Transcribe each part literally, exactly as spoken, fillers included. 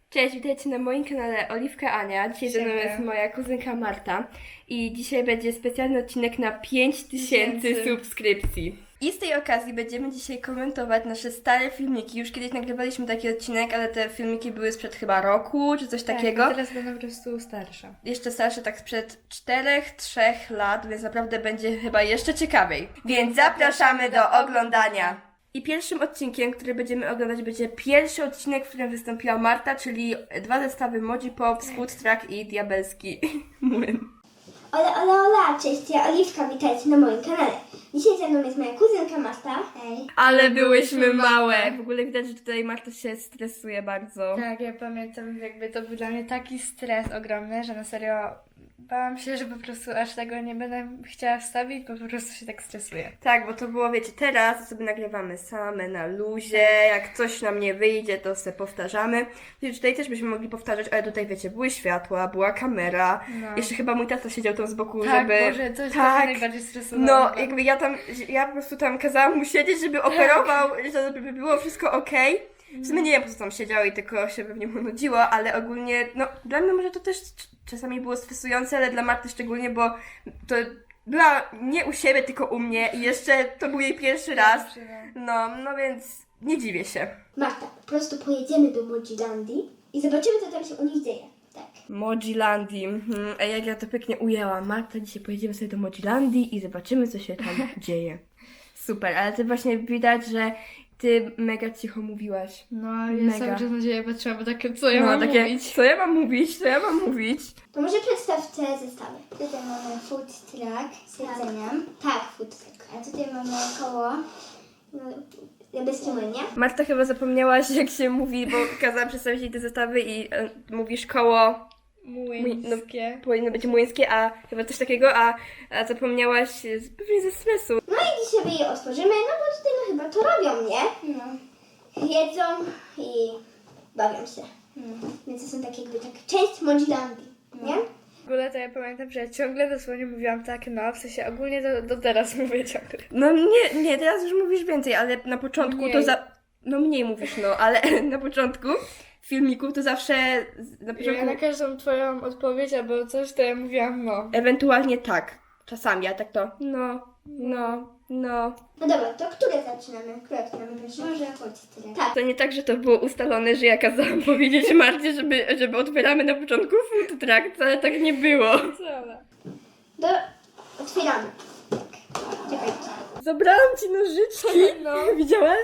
Cześć, witajcie na moim kanale Oliwka Ania. Dzisiaj ze mną jest moja kuzynka Marta i dzisiaj będzie specjalny odcinek na pięć tysięcy subskrypcji. I z tej okazji będziemy dzisiaj komentować nasze stare filmiki. Już kiedyś nagrywaliśmy taki odcinek, ale te filmiki były sprzed chyba roku, czy coś tak, takiego. A teraz będą po prostu starsze. Jeszcze starsze, tak sprzed czterech, trzech lat, więc naprawdę będzie chyba jeszcze ciekawiej. Więc zapraszamy do oglądania! I pierwszym odcinkiem, który będziemy oglądać, będzie pierwszy odcinek, w którym wystąpiła Marta, czyli dwa zestawy Moji Pop, Scoot Track i Diabelski Młyn. Ola, ola, ola, cześć, ja Oliwka, witajcie na moim kanale. Dzisiaj ze mną jest moja kuzynka Marta. Hej. Ale byłyśmy małe! W ogóle widać, że tutaj Marta się stresuje bardzo. Tak, ja pamiętam, jakby to był dla mnie taki stres ogromny, że na serio bałam się, że po prostu aż tego nie będę chciała wstawić, bo po prostu się tak stresuję. Tak, bo to było, wiecie, teraz sobie nagrywamy same na luzie, jak coś nam nie wyjdzie, to sobie powtarzamy. Wiecie, tutaj też byśmy mogli powtarzać, ale tutaj, wiecie, były światła, była kamera, No. jeszcze chyba mój tata siedział tam z boku, Tak, żeby... Boże, to jest tak, tak najbardziej stresujące. no, jakby ja tam, ja po prostu tam kazałam mu siedzieć, żeby operował, żeby było wszystko okej. W sumie nie, ja po prostu tam siedział i tylko się pewnie mu nudziło, ale ogólnie, no, dla mnie może to też czasami było stresujące, ale dla Marty szczególnie, bo to była nie u siebie, tylko u mnie i jeszcze to był jej pierwszy raz. No, no więc nie dziwię się. Marta, po prostu pojedziemy do Mojilandii i zobaczymy, co tam się u nich dzieje. Tak. Mojilandii. Mhm. A jak ja to pięknie ujęłam. Marta, dzisiaj pojedziemy sobie do Mojilandii i zobaczymy, co się tam dzieje. Super, ale to właśnie widać, że ty mega cicho mówiłaś. No, ja Mega. cały czas na ciebie patrzyłam, bo takie, co ja no, mam takie, mówić? co ja mam mówić, co ja mam mówić? To może przedstaw te zestawy. Tutaj mamy food truck z jedzeniem. Tak, food truck. A tutaj mamy koło no, diabelski młyn, nie? Marta chyba zapomniałaś, jak się mówi, bo kazałam przedstawić jej te zestawy i e, mówisz koło, Młyńskie. no, powinno być młyńskie, a chyba coś takiego, a, a zapomniałaś z- pewnie ze stresu. No i dzisiaj sobie je otworzymy, no bo tutaj no chyba to robią, nie? No. Jedzą i bawią się. Więc to są takie jakby tak część Mojilandii, nie? W ogóle to ja pamiętam, że ja ciągle dosłownie mówiłam tak, no, w sensie ogólnie do, do teraz mówię ciągle. No nie, nie, teraz już mówisz więcej, ale na początku to Mniej. za... No mniej mówisz, no, ale na początku filmików to zawsze na początku... Ja na każdą twoją odpowiedź albo coś, to ja mówiłam no. Ewentualnie tak, czasami, a tak to no, no, no. No dobra, to które zaczynamy? Które zaczynamy pierwsze? Może chodź tyle. Tak. To nie tak, że to było ustalone, że ja kazałam powiedzieć Marcie, żeby, żeby otwieramy na początku food truck, ale tak nie było. Dobra. Do... Otwieramy. Tak. Czekajcie. Zabrałam ci nożyczki. No. Widziałaś?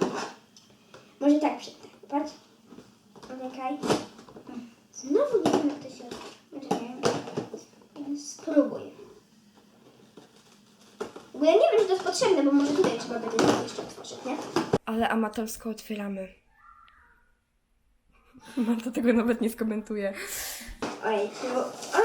Może tak przedtem. Patrz. Czekaj. Znowu nie wiem, jak to się otworzy. Czekaj. Spróbuj. W ogóle nie wiem, czy to jest potrzebne, bo może tutaj trzeba będzie to jeszcze otworzyć, nie? Ale amatorsko otwieramy. Marta tego nawet nie skomentuje. Ojej, to... A!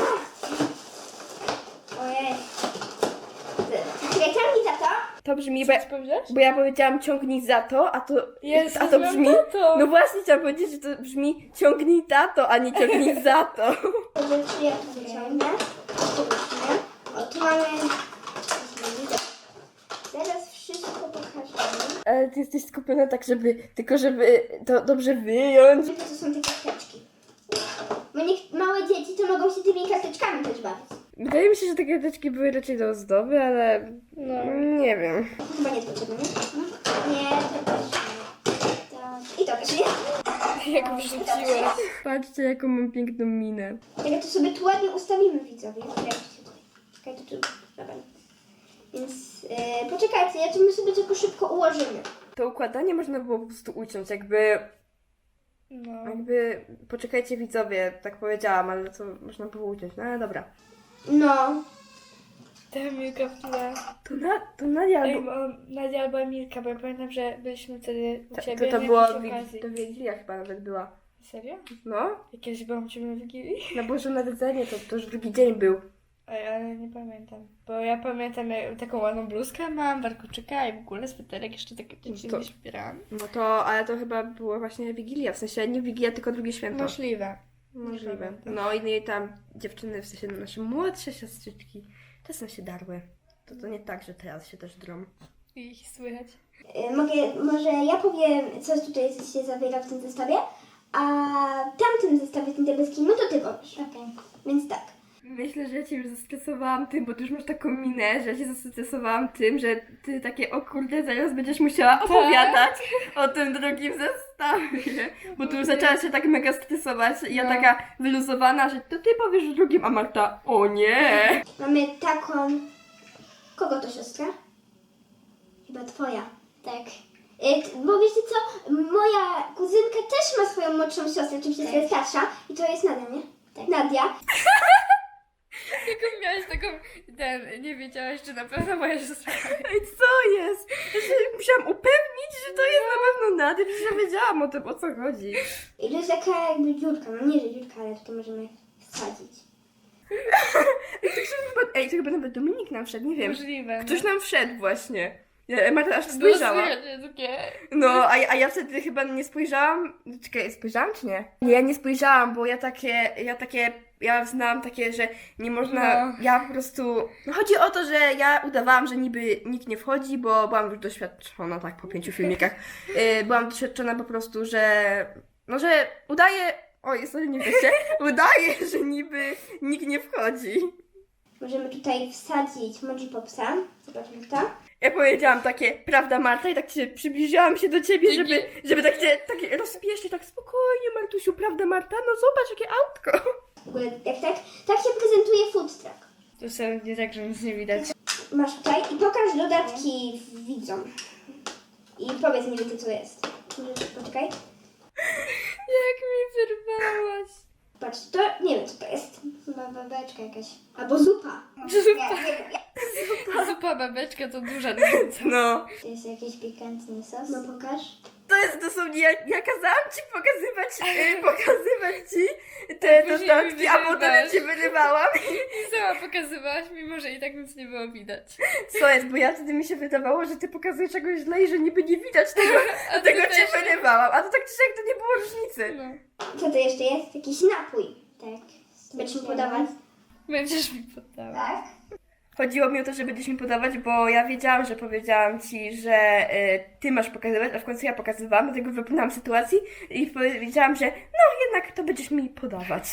Ojej. Czekaj, ciągnij za to. To brzmi, bo ja, Co powiedziałeś? bo ja powiedziałam ciągnij za to, a to, Jezus, a to mam brzmi... tato. No właśnie chciałam powiedzieć, że to brzmi ciągnij tato, a nie ciągnij za to. Dobrze, czy ja to wyciągnę? Zobaczmy. O, tu mamy... Zaraz wszystko pokażemy. Ale ty jesteś skupiona tak, żeby, tylko żeby to dobrze wyjąć. To są te karteczki. Bo niech małe dzieci to mogą się tymi karteczkami też bawić. Wydaje mi się, że te karteczki były raczej do ozdoby, ale No. nie wiem. To chyba nie jest potrzebne, nie? Nie, to też nie. To... I to też nie. Jak wrzuciłaś. Patrzcie, jaką mam piękną minę. Ale to sobie tu ładnie ustawimy, widzowie. Zobaczcie tutaj. Czekaj, to tu... Dobra. Więc yy, poczekajcie, ja to my sobie tylko szybko ułożymy. To układanie można było po prostu uciąć, jakby, No. jakby, poczekajcie widzowie, tak powiedziałam, ale to można było uciąć, no ale dobra. No. Ta Milka w tle. To, na, to Nadia Ej, albo... bo Nadia albo Emilka, bo ja pamiętam, że byliśmy wtedy u To, ciebie to, to na było, jakiejś wi- okazji. to Wigilia chyba nawet była. Serio? No, Jak kiedyś byłam u ciebie na Wigilii? na Boże Narodzenie, to, to już drugi dzień był. Ej, ale nie pamiętam. Bo ja pamiętam, jak taką ładną bluzkę mam, warkoczyka i w ogóle sweterek jeszcze takie rzeczy to- nie śpierałam. No to, ale to chyba było właśnie Wigilia, w sensie nie Wigilia, tylko drugie święto. Możliwe. Możliwe. pamiętam. No i jej tam dziewczyny, w sensie nasze młodsze siostrzyczki, czasem się darły. To to nie tak, że teraz się też drą. I ich słychać. Yy, mogę, może ja powiem, co tutaj się zawiera w tym zestawie, a tam otworzysz. Okej. Więc tak. Myślę, że ja cię już zestresowałam tym, bo ty już masz taką minę, że ja cię zestresowałam tym, że ty takie, o kurde, zaraz będziesz musiała opowiadać o tym drugim zestawie. Bo tu już zaczęłaś się tak mega stresować i ja No. taka wyluzowana, że to ty powiesz o drugim, a Marta, o nie. Mamy taką... Kogo to siostra? Chyba twoja. Tak. Y, t- bo wiecie co? Moja kuzynka też ma swoją młodszą siostrę, oczywiście tak. Jest starsza. I to jest Nadia, nie? Tak. Nadia. Jaką miałaś taką, ten, nie wiedziałaś, czy na pewno moja siostra. Ej, co jest? Ja się musiałam upewnić, że to jest na pewno Nadia, przecież ja wiedziałam o tym, o co chodzi. I to jest taka jakby dziurka, no nie, że dziurka, ale tutaj możemy wsadzić. Ej, to chyba, ej, to chyba nawet Dominik nam wszedł, nie wiem. Możliwe. Ktoś nam wszedł właśnie. Ja, Marta aż Było spojrzała. słychać takie... No, a, ja- a ja wtedy chyba nie spojrzałam. Czekaj, spojrzałam czy nie? Nie, ja nie spojrzałam, bo ja takie, ja takie, ja znałam takie, że nie można, No. ja po prostu, no chodzi o to, że ja udawałam, że niby nikt nie wchodzi, bo byłam już doświadczona, tak, po pięciu filmikach, yy, byłam doświadczona po prostu, że, no, że udaję, oj, sorry, nie wiecie, udaję, że niby nikt nie wchodzi. Możemy tutaj wsadzić Moji Popsa. Zobaczmy to. Ja powiedziałam takie, prawda Marta? I tak się przybliżyłam się do ciebie, żeby, żeby tak się tak rozpiesznie, tak spokojnie Martusiu, prawda Marta? No zobacz, jakie autko. W ogóle jak tak, tak się prezentuje food truck. To są nie tak, że nic nie widać. Masz tutaj i pokaż dodatki widzom. I powiedz mniej więcej co jest. Możesz- Poczekaj. Jak mi wyrwałaś. Patrz, to nie wiem co to jest. Chyba babeczka jakaś. Albo zupa. Zupa. Nie, nie wiem. Zupa babeczka to duża różnica. No, To jest jakiś pikantny sos. No pokaż. to jest dosłownie, ja, ja kazałam ci pokazywać, yy, pokazywać ci te Później dodatki, mi a potem ja wyrywasz. cię wyrywałam. I sama pokazywałaś, mimo że i tak nic nie było widać. Co jest, bo ja wtedy mi się wydawało, że ty pokazujesz czegoś źle i że niby nie widać tego, A ty dlatego też. cię wyrywałam. A to tak czy siak to nie było różnicy. No. Co to jeszcze jest? Jakiś napój. Tak. Będziesz mi podawać? Będziesz mi poddała. Tak. Chodziło mi o to, że będziesz mi podawać, bo ja wiedziałam, że powiedziałam ci, że y, ty masz pokazywać, a w końcu ja pokazywałam, dlatego wypłynęłam z sytuacji i powiedziałam, że no jednak to będziesz mi podawać.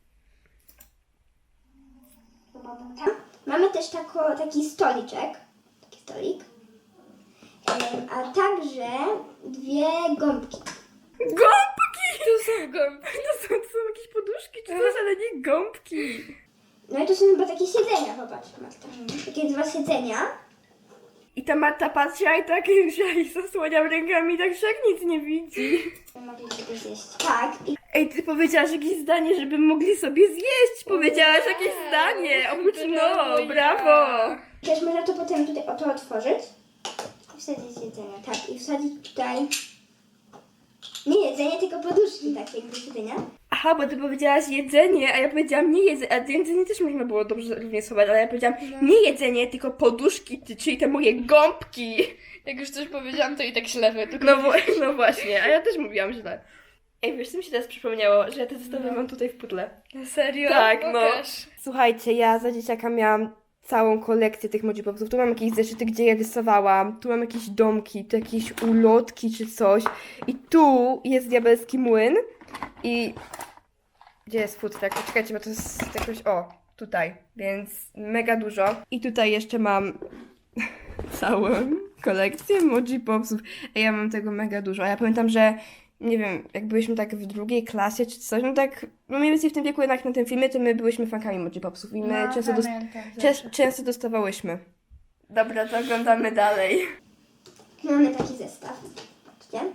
Tam mamy też tako, taki stoliczek. Taki stolik. Em, A także dwie gąbki. Gąbki! To są gąbki. To są, to są jakieś poduszki czy coś, ale nie gąbki. No i to są chyba takie siedzenia, popatrz Marta. Takie dwa siedzenia. I ta Marta patrzyła i tak i zasłaniał rękami, tak że jak nic nie widzi. Mogliśmy to zjeść. Tak. I Ej, ty powiedziałaś jakieś zdanie, żeby mogli sobie zjeść. Powiedziałaś jakieś Wow. zdanie. Oprócz Brawo, no, ja. brawo. też można to potem tutaj oto otworzyć. I wsadzić jedzenie. Tak. I wsadzić tutaj... Nie jedzenie, tylko poduszki takie do siedzenia. Aha, bo ty powiedziałaś jedzenie, a ja powiedziałam nie jedzenie, a jedzenie też można było dobrze również schować, ale ja powiedziałam nie jedzenie, tylko poduszki, ty- czyli te moje gąbki. Jak już coś powiedziałam, to i tak źle tylko No, wo- no właśnie, a ja też mówiłam źle. Ej, wiesz, co mi się teraz przypomniało, że ja te zestawy mam tutaj w pudle. Na serio? Tak, no. Pokaż. Słuchajcie, ja za dzieciaka miałam całą kolekcję tych Moji Popsów. Tu mam jakieś zeszyty, gdzie je rysowałam, tu mam jakieś domki, tu jakieś ulotki czy coś. I tu jest diabelski młyn i... Gdzie jest food truck? Poczekajcie, bo to jest jakoś... O, tutaj, więc mega dużo. I tutaj jeszcze mam całą kolekcję Moji Popsów. A ja mam tego mega dużo. A ja pamiętam, że nie wiem, jak byliśmy tak w drugiej klasie czy coś, no tak, no mniej więcej w tym wieku jednak na tym filmie, to my byliśmy fankami Moji Popsów i my No, często, dos- pamiętam cze- często dostawałyśmy. Dobra, to oglądamy dalej. Mamy taki zestaw. Patrzcie.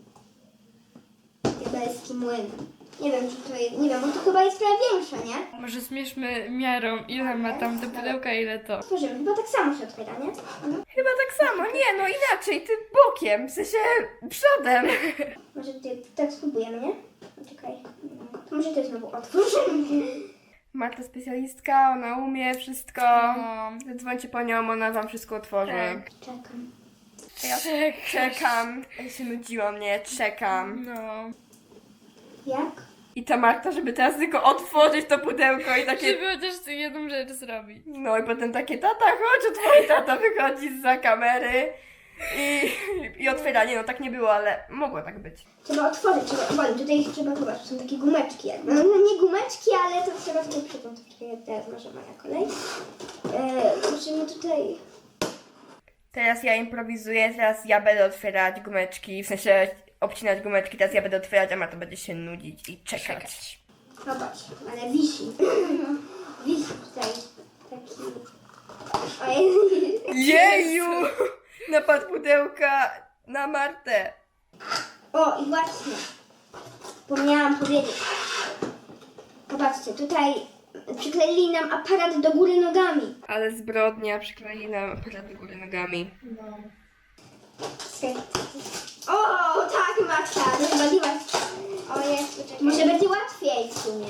Diabelski młyn. Nie wiem, czy to jest... Nie wiem, bo to chyba jest trochę większe, nie? Może zmierzmy miarą, ile ma tam do pudełka, ile to. Otworzymy. Chyba tak samo się otwiera, nie? Mhm. Chyba tak samo, nie, no inaczej, ty bokiem, w sensie przodem. Może ty, tak spróbujemy, nie? Czekaj. To może ty znowu otworzymy. Marta specjalistka, ona umie wszystko. No. Zadzwońcie po nią, ona wam wszystko otworzy. Tak. Czekam. Ja czekam. Ja się nudziłam, nie, czekam. No. Jak? I ta Marta, żeby teraz tylko otworzyć to pudełko i takie... Żeby chociaż tę jedną rzecz zrobić. No i potem takie, tata chodź, twój tata wychodzi zza kamery. I, i otwieranie, no tak nie było, ale mogło tak być. Trzeba otworzyć, trzeba otworzyć. Tutaj trzeba chyba, są takie gumeczki jakby. No nie gumeczki, ale to trzeba tutaj przypiąć. Czekaj, teraz może moja kolej. Eee, musimy tutaj... Teraz ja improwizuję, teraz ja będę otwierać gumeczki, w sensie obcinać gumeczki, teraz ja będę otwierać, a Marta będzie się nudzić i czekać. Zobacz, ale wisi. Wisi tutaj taki... Ojej. Jeju! Napad pudełka na Martę. O, i właśnie. Zapomniałam powiedzieć. Zobaczcie, tutaj przykleili nam aparat do góry nogami. Ale zbrodnia, przyklei nam aparat do góry nogami. No. Czekaj. O, tak, Marta, rozwaliłaś. O, jest, poczekaj. Może będzie łatwiej w sumie.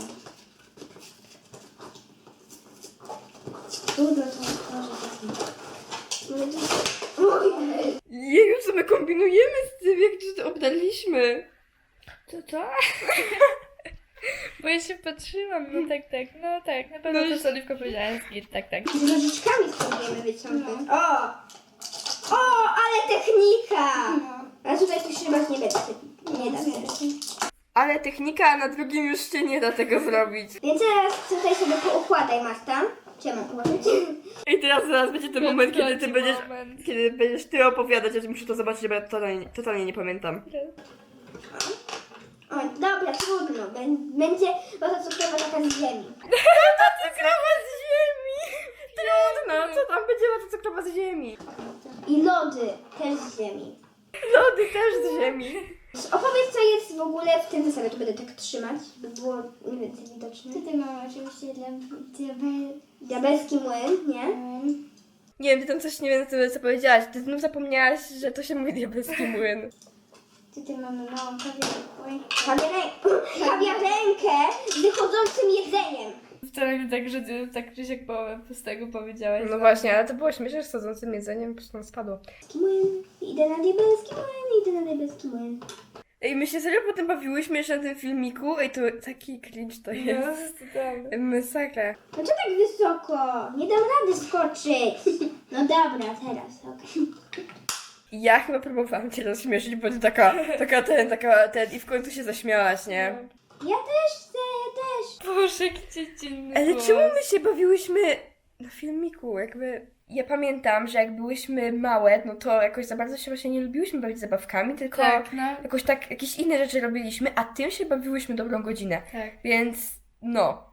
Trudno to otworzyć. Ojej. Jeju, co my kombinujemy z tym, jak to obdarliśmy. Co to? Bo ja się patrzyłam, no tak, tak, no tak, na pewno to co Oliwka powiedziała, jest git, tak, tak. Z nożyczkami spróbujemy wyciągnąć. O! O, ale technika! A tutaj coś chyba nie będzie. Nie da się. Ale technika, a na drugim już się nie da tego zrobić. Więc teraz tutaj sobie poukładaj, Marta. Czy ja mam ułożyć? I teraz zaraz będzie ten moment, kiedy ty Nadchodzi będziesz, moment. kiedy będziesz ty opowiadać, ja muszę to zobaczyć, bo ja totalnie, totalnie nie pamiętam. O, dobra, trudno. Bę- Będzie woda cukrowa taka z ziemi. Cukrowa z ziemi! Trudno, co tam będzie woda cukrowa z ziemi? I lody też z ziemi. Lody też z ziemi. Opowiedz, co jest w ogóle w tym zestawie. Tu będę tak trzymać, by było mniej więcej widoczne. Tutaj mamy oczywiście dla diabeł... Diabelski młyn, nie? Nie wiem, ty tam coś nie wiem, co, co powiedziałaś. Ty znów zapomniałaś, że to się mówi diabelski młyn. Tutaj mamy małą kawiarkę. Kawiarę- Kawiarenkę z wychodzącym jedzeniem. Wcale nie tak, że ty tak czy siak połowę pustego powiedziałaś. No właśnie, ale to było śmieszne, że z sadzącym jedzeniem po prostu nam spadło. Diabelski młyn. Idę na diabelski młyn, idę na diabelski młyn. Ej, my się serio potem bawiłyśmy jeszcze na tym filmiku. Ej, to taki cringe to jest. No, totalnie. Masakra. No co tak wysoko? Nie dam rady skoczyć. No dobra, teraz, okej. Ja chyba próbowałam cię rozśmieszyć, bo ty taka, taka ten, taka ten i w końcu się zaśmiałaś, nie? Ja też chcę, ja też. Boże, jaki dziecinny Ale głos. czemu my się bawiłyśmy na filmiku? Jakby ja pamiętam, że jak byłyśmy małe, no to jakoś za bardzo się właśnie nie lubiłyśmy bawić zabawkami, tylko Tak, no. jakoś tak jakieś inne rzeczy robiliśmy, a tym się bawiłyśmy dobrą godzinę. Tak. Więc no.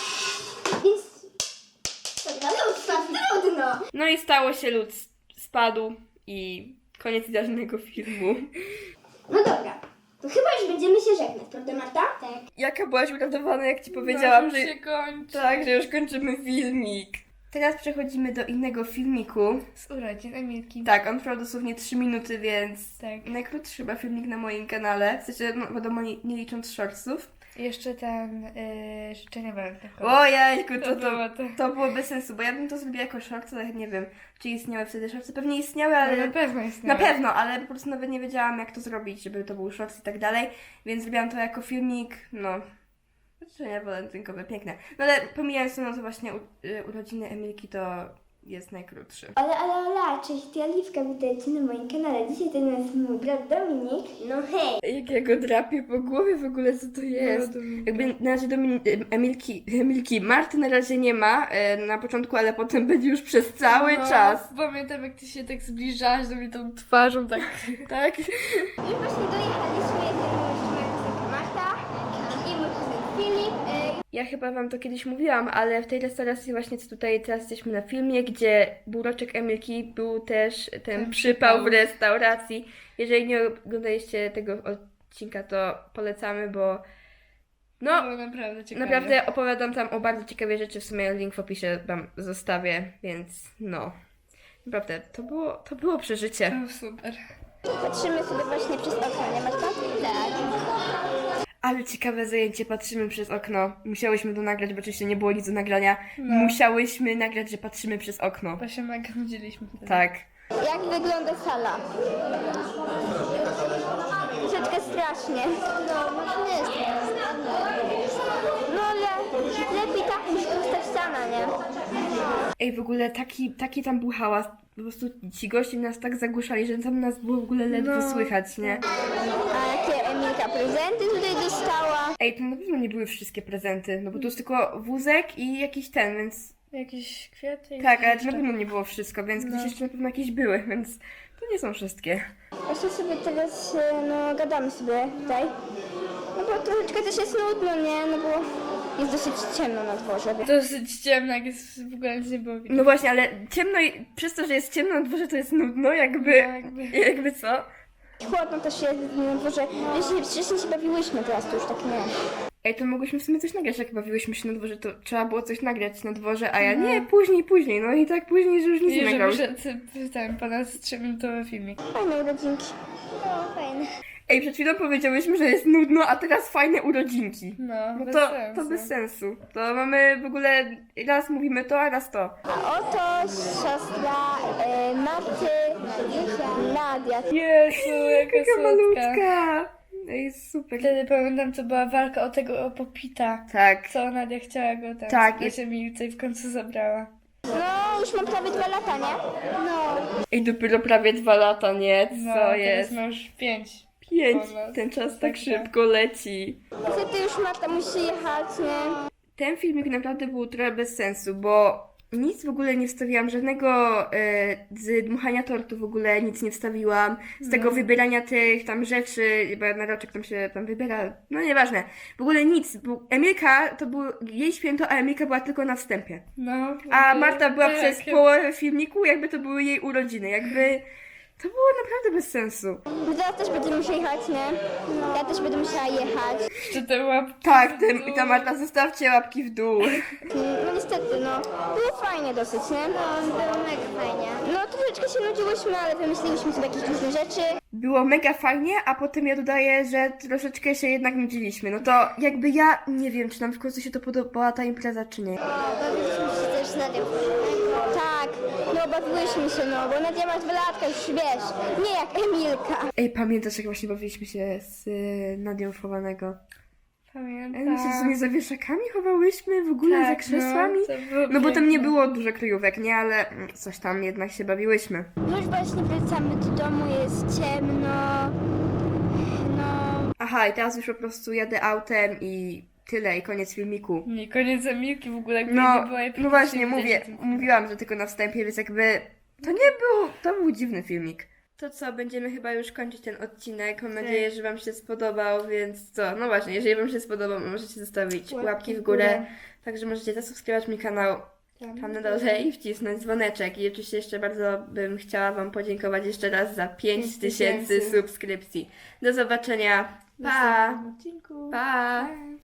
Więc... Dobra, lód spadł, trudno. No i stało się, lód spadł i koniec idealnego filmu. No dobra, to chyba już będziemy się żegnać, prawda Marta? Tak. Jaka byłaś uradowana, jak ci powiedziałam, no, że... już się kończy. Tak, że już kończymy filmik. Teraz przechodzimy do innego filmiku. Z urodzin Emilki. Tak, on trwał dosłownie trzy minuty, więc Tak. najkrótszy chyba filmik na moim kanale. W sensie, no wiadomo, nie, nie licząc shortsów. I jeszcze ten yy, życzenie walentynkowe. Ojejku, to, To to, było to. to było bez sensu, bo ja bym to zrobiła jako shorts, ale nie wiem, czy istniały wtedy shortsy. Pewnie istniały, Ale ale... na pewno jest Na pewno, ale po prostu nawet nie wiedziałam, jak to zrobić, żeby to był shorts i tak dalej, więc zrobiłam to jako filmik, no, życzenia walentynkowe, piękne. No ale pomijając to, no to właśnie u, y, urodziny Emilki to jest najkrótszy. Ale, ale, ale, cześć, ty Oliwka, witajcie na moim kanale. Dzisiaj to jest mój brat Dominik. No hej. Jak ja go drapię po głowie w ogóle, co to jest? Jakby na razie Domin- Emilki, Emilki, Marty na razie nie ma e, na początku, ale potem będzie już przez cały no, czas. Pamiętam, jak ty się tak zbliżałaś do mnie tą twarzą, tak. Tak? Już właśnie dojechaliśmy, jest moja piosenka Marta i mój kuzyn Filip. E, Ja chyba wam to kiedyś mówiłam, ale w tej restauracji właśnie co tutaj teraz jesteśmy na filmie, gdzie buroczek Emilki był też ten Ten przypał w przypał. restauracji. Jeżeli nie oglądaliście tego odcinka, to polecamy, bo no, Było naprawdę ciekawe. naprawdę opowiadam tam o bardzo ciekawej rzeczy, w sumie link w opisie wam zostawię, więc no. Naprawdę, to było, to było przeżycie. No, super. Patrzymy sobie właśnie przez okno, nie Marta? Tak. Ale ciekawe zajęcie, patrzymy przez okno. Musiałyśmy to nagrać, bo oczywiście nie było nic do nagrania. Musiałyśmy nagrać, że patrzymy przez okno. Bo się mega nudziliśmy wtedy. Tak. Jak wygląda sala? Troszeczkę strasznie. No, może nie jest. No ale lepiej tak niż pusta ściana, nie? Ej, w ogóle taki, taki tam był hałas. po prostu ci goście nas tak zagłuszali, że tam nas było w ogóle ledwo No. słychać, nie? A jakie Emilka prezenty tutaj dostała? Ej, to na pewno nie były wszystkie prezenty, no bo to jest tylko wózek i jakiś ten, więc... Jakieś kwiaty. i Tak, ale to jeszcze. na pewno nie było wszystko, więc No. gdzieś jeszcze na pewno jakieś były, więc to nie są wszystkie. Właśnie sobie teraz, e, no, gadamy sobie tutaj. No bo troszeczkę też jest nudno, nie? No bo jest dosyć ciemno na dworze, więc... Dosyć ciemno, jak jest w ogóle nic nie było widać. No właśnie, ale ciemno i przez to, że jest ciemno na dworze, to jest nudno, jakby... No, jakby- jakby co? Chłodno też jest na dworze. Wcześniej, wcześniej się bawiłyśmy, teraz to już tak nie. Ej, to mogłyśmy w sumie coś nagrać, jak bawiłyśmy się na dworze, to trzeba było coś nagrać na dworze, a ja No. nie, później, później, no i tak później, że już nic I nie że nagrał. wyszedł ten ponad trzyminutowy filmik. Fajne urodzinki. No, fajne. Ej, przed chwilą powiedziałyśmy, że jest nudno, a teraz fajne urodzinki. No, No bez to, sensu. to bez sensu. To mamy w ogóle, raz mówimy to, a raz to. A oto siostra e, Marty, Nadia. Jezu, jaka Taka słodka. malutka. Ej, super. Wtedy pamiętam, to była walka o tego o popita. Tak. Co Nadia chciała go tam Tak, tak, się Milce i w końcu zabrała. No, już mam prawie dwa lata, nie? No. Ej, dopiero prawie dwa lata, nie? Co No, teraz jest? ma już pięć. Pięć. ponad. Ten czas tak Tak, szybko leci. Niestety już Marta musi jechać, nie? Ten filmik naprawdę był trochę bez sensu, bo nic w ogóle nie wstawiłam, żadnego e, z dmuchania tortu w ogóle nic nie wstawiłam, z tego No. wybierania tych tam rzeczy, bo na roczek tam się tam wybiera, no nieważne. W ogóle nic, bo Emilka, to było jej święto, a Emilka była tylko na wstępie. No. A jakby- Marta była tak, przez połowę filmiku, jakby to były jej urodziny, jakby to było naprawdę bez sensu. No teraz też będziemy musieli jechać, nie? Ja też będę musiała jechać. Jeszcze te łapki. Tak, tym, i ta Marta, zostawcie łapki w dół. No niestety, no. Było fajnie dosyć, nie? No, było mega fajnie. No troszeczkę się nudziłyśmy, ale wymyśliłyśmy sobie jakieś różne rzeczy. Było mega fajnie, a potem ja dodaję, że troszeczkę się jednak nudziliśmy. No to jakby ja nie wiem, czy nam w końcu się to podobała ta impreza, czy nie. Bawiliśmy się też z Nadią. Tak, no bawiłyśmy się, no, bo Nadia ma dwa latka, już wiesz. Nie jak Emilka. Ej, pamiętasz, jak właśnie bawiliśmy się z y, Nadią chowanego? Ej, Pamiętam. my się w sumie za wieszakami chowałyśmy, w ogóle za krzesłami. No, to było No bo tam nie piękne. było dużo kryjówek, nie? Ale mm, coś tam jednak się bawiłyśmy. Już właśnie wracamy do domu, jest ciemno. No, Aha, i teraz już po prostu jadę autem i tyle, i koniec filmiku. Nie, koniec Emilki w ogóle jakby nie No, była. i no właśnie, praktycznie mówię, widać w tym filmie. mówiłam, że tylko na wstępie, więc jakby to nie był, to był dziwny filmik. To co, będziemy chyba już kończyć ten odcinek. Mam nadzieję, że Wam się spodobał, więc co, no właśnie, jeżeli Wam się spodobał, możecie zostawić łapki, Łapki w w górę. górę. Także możecie zasubskrybować mój kanał tam na dole i wcisnąć dzwoneczek. I oczywiście jeszcze bardzo bym chciała Wam podziękować jeszcze raz za pięć tysięcy subskrypcji. Do zobaczenia. Pa! odcinku. Pa! Pa.